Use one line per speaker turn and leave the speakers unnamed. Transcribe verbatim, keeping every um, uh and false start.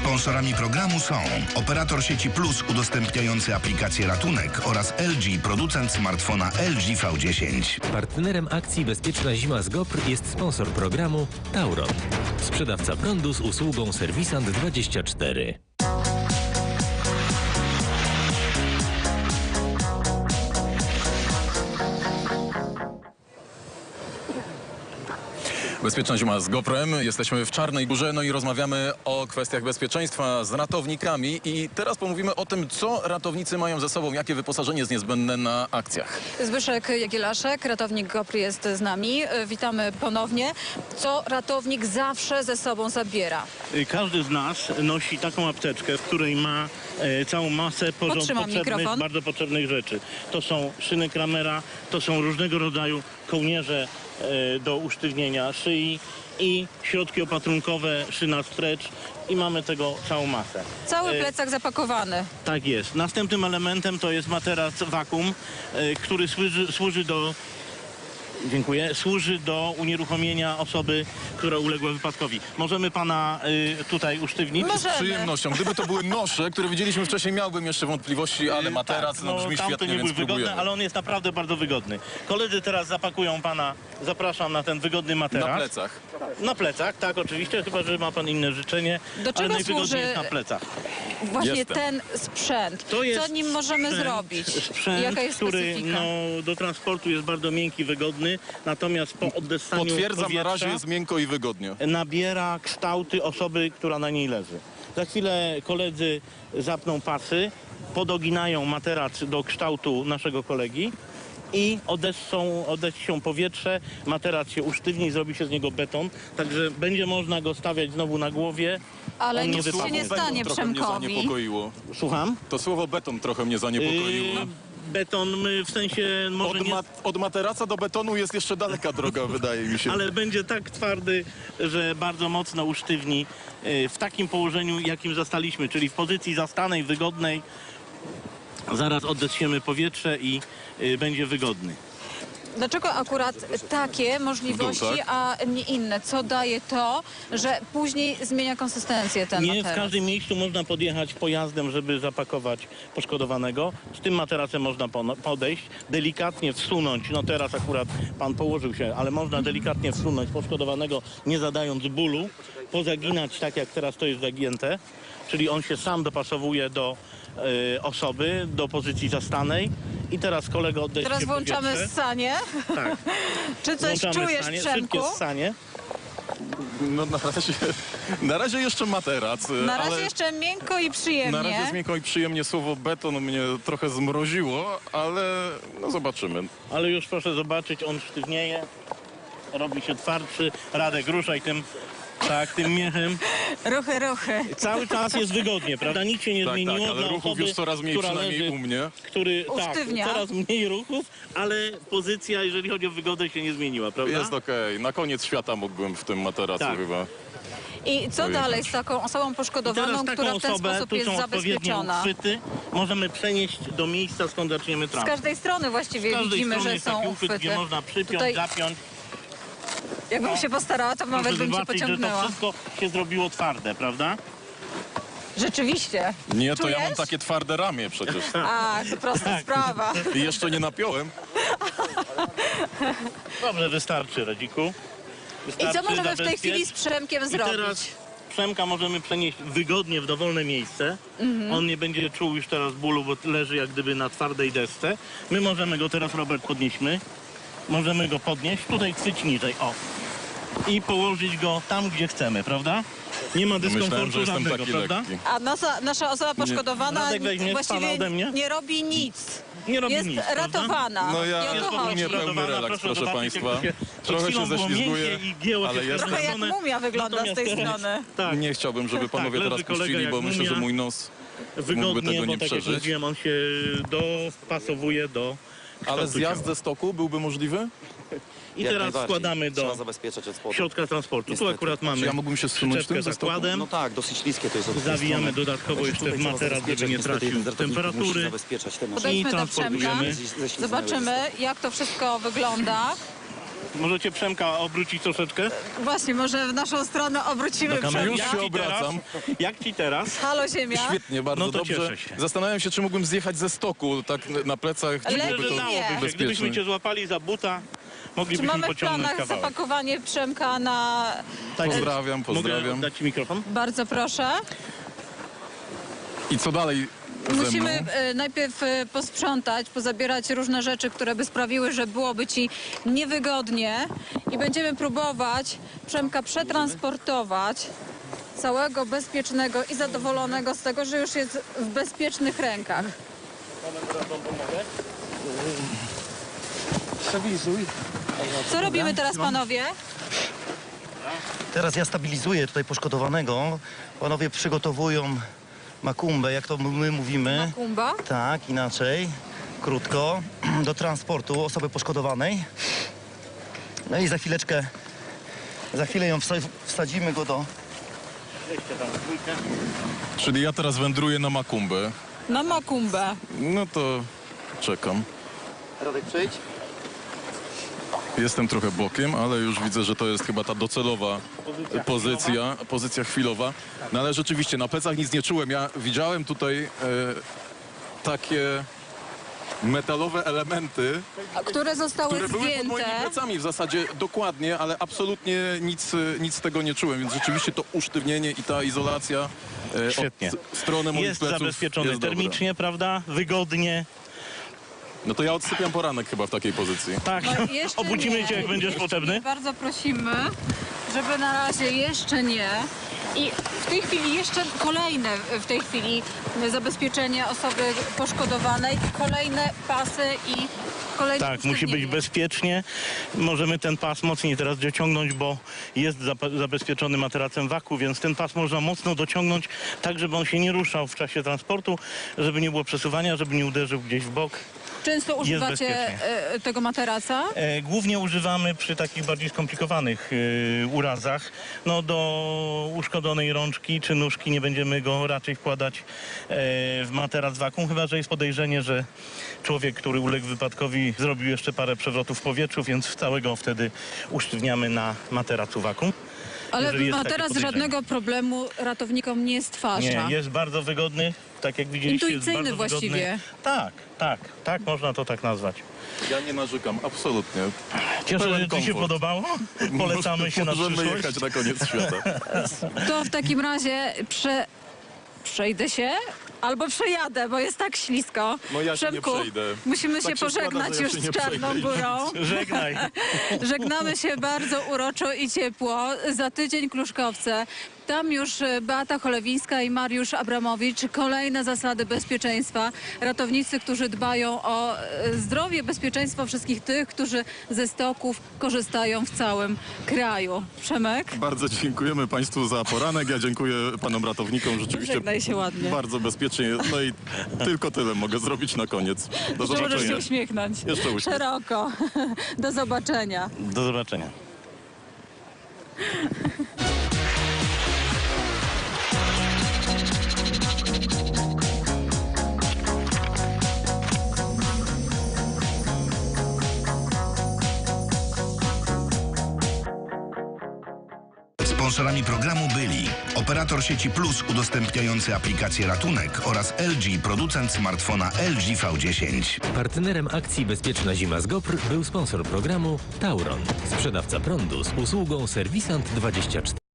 Sponsorami programu są operator sieci Plus udostępniający aplikację Ratunek oraz L G, producent smartfona L G V dziesięć.
Partnerem akcji Bezpieczna Zima z Gopr jest sponsor programu Tauron. Sprzedawca prądu z usługą Serwisant dwadzieścia cztery.
Bezpieczna zima z Goprem. Jesteśmy w Czarnej Górze, no i rozmawiamy o kwestiach bezpieczeństwa z ratownikami. I teraz pomówimy o tym, co ratownicy mają ze sobą, jakie wyposażenie jest niezbędne na akcjach.
Zbyszek Jagielaszek, ratownik Gopr jest z nami. Witamy ponownie. Co ratownik zawsze ze sobą zabiera?
Każdy z nas nosi taką apteczkę, w której ma e, całą masę porząd, potrzebnych, bardzo potrzebnych rzeczy. To są szyny Kramera, to są różnego rodzaju kołnierze e, do usztywnienia szyi i środki opatrunkowe, szyna stretch i mamy tego całą masę.
Cały plecak e, zapakowany.
Tak jest. Następnym elementem to jest materac wakum, e, który służy, służy do Dziękuję. Służy do unieruchomienia osoby, która uległa wypadkowi. Możemy pana y, tutaj usztywnić?
Możemy.
Z przyjemnością. Gdyby to były nosze, które widzieliśmy wcześniej, miałbym jeszcze wątpliwości, ale materac
tak,
no, brzmi
tamte
świetnie,
nie
więc
były wygodne,
próbujemy.
ale on jest naprawdę bardzo wygodny. Koledzy teraz zapakują pana, zapraszam na ten wygodny materac.
Na plecach.
Na plecach, tak, oczywiście, chyba że ma pan inne życzenie,
Do czego
ale najwygodniej
służy
jest na plecach.
Właśnie
Jestem.
ten sprzęt.
To jest
Co nim możemy
sprzęt,
zrobić?
Sprzęt,
Jaka jest
który
specyfika?
no, do transportu jest bardzo miękki, wygodny, natomiast po oddessaniu
Potwierdzam,
powietrza
na razie jest miękko i wygodnie.
nabiera kształty osoby, która na niej leży. Za chwilę koledzy zapną pasy, podoginają materac do kształtu naszego kolegi i odessą, odessą powietrze, materac się usztywni, zrobi się z niego beton, także będzie można go stawiać znowu na głowie.
Ale
On nie
nic się
wypadnie.
nie stanie
Trochę mnie
Przemkowi.
zaniepokoiło.
Słucham?
To słowo beton trochę mnie zaniepokoiło.
Yy, beton my w sensie może
Od,
nie...
ma od materaca do betonu jest jeszcze daleka droga, wydaje mi się.
Ale będzie tak twardy, że bardzo mocno usztywni yy, w takim położeniu, jakim zastaliśmy, czyli w pozycji zastanej, wygodnej. Zaraz oddechniemy powietrze i yy, będzie wygodny.
Dlaczego akurat takie możliwości,
W dół, tak?
a nie inne? Co daje to, że później zmienia konsystencję ten
Nie
materac?
w każdym miejscu można podjechać pojazdem, żeby zapakować poszkodowanego. Z tym materacem można podejść, delikatnie wsunąć, no teraz akurat pan położył się, ale można delikatnie wsunąć poszkodowanego, nie zadając bólu, pozaginać tak jak teraz to jest zagięte, czyli on się sam dopasowuje do y, osoby, do pozycji zastanej. I teraz kolega odejdzie.
Teraz włączamy
powietrze.
ssanie.
Tak.
Czy coś
Włączamy
czujesz,
ssanie,
Przemku?
szybkie ssanie.
No na razie, na razie jeszcze materac.
Na razie
ale
jeszcze miękko i przyjemnie.
na razie jest miękko i przyjemnie. Słowo beton mnie trochę zmroziło, ale no zobaczymy.
Ale już proszę zobaczyć, on sztywnieje, robi się twardszy. Radek, ruszaj tym, tak, tym miechem.
Ruchy, ruchy.
Cały czas jest wygodnie, prawda? Nic się nie
Tak,
zmieniło
tak, ale
dla
ruchów
osoby,
już coraz mniej,
która
przynajmniej
leży,
u mnie.
który,
Usztywnia.
tak, coraz mniej ruchów, ale pozycja, jeżeli chodzi o wygodę, się nie zmieniła, prawda?
Jest okej. Na koniec świata mógłbym w tym materacu
Tak.
chyba.
I co
Pojechać.
dalej z taką osobą
I
poszkodowaną,
teraz taką
która w ten
osobę,
sposób
tu
jest
są odpowiednio
zabezpieczona?
uchwyty, możemy przenieść do miejsca, skąd zaczniemy
Z
transport.
każdej strony właściwie
Z każdej
widzimy,
strony
że
jest
są
taki uchwyt,
uchwyty.
gdzie można przypiąć,
Tutaj,
zapiąć.
jakbym się postarała, to nawet
Proszę
bym cię
zobaczyć, że to
pociągnęła.
wszystko się zrobiło twarde, prawda?
Rzeczywiście.
Nie, to ja mam
Czujesz?
takie twarde ramię przecież.
A, to prosta sprawa.
I jeszcze nie napiąłem.
Dobrze, wystarczy, Radziku.
I
Wystarczy,
co możemy w tej
zabezpiecz.
chwili z Przemkiem
I
zrobić?
teraz Przemka możemy przenieść wygodnie w dowolne miejsce.
Mhm.
On nie będzie czuł już teraz bólu, bo leży jak gdyby na twardej desce. My możemy go teraz, Robert, podnieśmy. Możemy go podnieść, tutaj chwyć niżej, o. I położyć go tam, gdzie chcemy, prawda? Nie ma
Myślałem, że
dyskomfortu
jestem
żadnego,
taki
prawda?
lekki.
A nasza, nasza osoba poszkodowana
Radek, weźmiesz
właściwie
pana ode mnie?
nie robi nic.
Nie robi
Jest
nic, prawda?
ratowana.
No ja
I o
Jest
to
po
chodzi.
prostu
pełny
radowana,
relaks, proszę
zobaczyć,
państwa.
jak to się przed
Trochę się
chwilą było
ześlizguję,
miękkie i gięło
ale
się
jest-
Trochę jak
wkręcone.
mumia wygląda z
Natomiast
tej
teraz-
strony.
Tak,
Nie chciałbym, żeby panowie
leży
teraz
kolega
puścili,
jak
bo myślę,
mumia.
że mój nos mógłby
wygodnie,
tego
bo
nie
tak jak
przeżyć.
mówiłem, on się dopasowuje do
Ale
kształtu
zjazd
ciała.
ze stoku byłby możliwy?
I
Jak
teraz
najbardziej.
składamy
Trzeba
do
zabezpieczać od spodu.
środka transportu. Tu
Niestety.
akurat mamy
Czy ja mógłbym się zsunąć
przyczepkę
tym ze stoku?
zakładem.
No tak, dosyć śliskie to jest od tej
Zawijamy
strony.
dodatkowo
Także
jeszcze
tutaj
w
trzeba
materac, żeby
zabezpieczać.
nie
Niestety
tracił
jeden z ratowników musi
temperatury.
zabezpieczać te maszyny.
Podejdźmy do
transportujemy.
Przemka, zobaczymy jak to wszystko wygląda.
Możecie Przemka obrócić troszeczkę?
Właśnie, może w naszą stronę obrócimy
Do kamery.
Już
Przemka.
się
Jak ci teraz?
obracam.
Jak ci teraz?
Halo Ziemia.
Świetnie, bardzo
No to
dobrze.
cieszę się.
Zastanawiam się, czy mógłbym zjechać ze stoku, tak na plecach, czy
Lepiej
byłoby to
nie.
Dałoby się. Gdybyśmy
bezpieczne.
cię złapali za buta,
Czy
moglibyśmy
mamy w
pociągnąć
planach
kawałek.
zapakowanie Przemka na...
Tak,
Pozdrawiam, pozdrawiam.
Mogę dać ci mikrofon?
Bardzo proszę.
I co dalej ze
Musimy
mną?
e, najpierw e, posprzątać, pozabierać różne rzeczy, które by sprawiły, że byłoby ci niewygodnie i będziemy próbować Przemka przetransportować całego bezpiecznego i zadowolonego z tego, że już jest w bezpiecznych rękach.
Stabilizuj.
Co robimy teraz, panowie?
Teraz ja stabilizuję tutaj poszkodowanego. Panowie przygotowują makumbę, jak to my mówimy.
Kumba?
Tak, inaczej, krótko, do transportu osoby poszkodowanej. No i za chwileczkę, za chwilę ją wsa- wsadzimy go do...
Weźcie tam dwójkę.
Czyli ja teraz wędruję na Makumbę.
Na makumbę.
No to czekam.
Radek, przyjdź.
Jestem trochę bokiem, ale już widzę, że to jest chyba ta docelowa
Pozycja
pozycja, pozycja chwilowa. No ale rzeczywiście na plecach nic nie czułem. Ja widziałem tutaj e, takie metalowe elementy,
A które zostały
które były pod moimi
zdjęte.
plecami w zasadzie dokładnie, ale absolutnie nic, e, nic z tego nie czułem, więc rzeczywiście to usztywnienie i ta izolacja e,
Świetnie.
od strony moich
Jest
pleców
zabezpieczony
jest dobra.
termicznie, prawda? Wygodnie.
No to ja odsypiam poranek chyba w takiej pozycji.
Tak.
No, jeszcze
Obudzimy
nie.
cię, jak będziesz
Jeszcze
potrzebny.
nie. Bardzo prosimy, żeby na razie jeszcze nie. I w tej chwili jeszcze kolejne w tej chwili zabezpieczenie osoby poszkodowanej, kolejne pasy i kolejne
Tak, musi być
usztywnienie.
bezpiecznie. Możemy ten pas mocniej teraz dociągnąć, bo jest zapa- zabezpieczony materacem waku, więc ten pas można mocno dociągnąć, tak żeby on się nie ruszał w czasie transportu, żeby nie było przesuwania, żeby nie uderzył gdzieś w bok.
Często używacie
bezpiecznie.
e, tego materaca?
E, głównie używamy przy takich bardziej skomplikowanych e, urazach. No do uszkodzonej rączki czy nóżki nie będziemy go raczej wkładać e, w materac wakum, chyba że jest podejrzenie, że człowiek, który uległ wypadkowi, zrobił jeszcze parę przewrotów w powietrzu, więc całego wtedy usztywniamy na materacu wakum.
Ale
jeżeli jest takie
materac
podejrzenie.
żadnego problemu ratownikom nie stwarza.
Nie, jest bardzo wygodny, tak jak widzieliście. jest
Intuicyjny
bardzo
właściwie.
Wygodny. Tak, tak, tak można to tak nazwać.
Ja nie narzekam, absolutnie.
Cieszę,
Pełen
że Ci się
komfort.
podobało. Polecamy się na
Możemy
przyszłość.
jechać na koniec świata.
To w takim razie prze... przejdę się albo przejadę, bo jest tak ślisko.
No ja się nie
Przemku,
przejdę.
musimy
Tak
się
się składa,
pożegnać
że ja
już
się
z
nie
Czarną
przejdę i
Górą.
Żegnaj.
Żegnamy się bardzo uroczo i ciepło. Za tydzień Kluszkowce. Tam już e, Beata Cholewińska i Mariusz Abramowicz. Kolejne zasady bezpieczeństwa. Ratownicy, którzy dbają o e, zdrowie, bezpieczeństwo wszystkich tych, którzy ze stoków korzystają w całym kraju. Przemek?
Bardzo dziękujemy Państwu za poranek. Ja dziękuję Panom ratownikom. Rzeczywiście
Żegnaj się ładnie.
bardzo bezpiecznie. No i tylko tyle mogę zrobić na koniec. Do
Że możesz się
zobaczenia.
uśmiechnąć.
Jeszcze uśmiech.
Szeroko. Do zobaczenia.
Do zobaczenia.
Sponsorami programu byli operator sieci Plus udostępniający aplikację Ratunek oraz L G, producent smartfona L G V dziesięć.
Partnerem akcji Bezpieczna Zima z Gopr był sponsor programu Tauron, sprzedawca prądu z usługą Serwisant dwadzieścia cztery.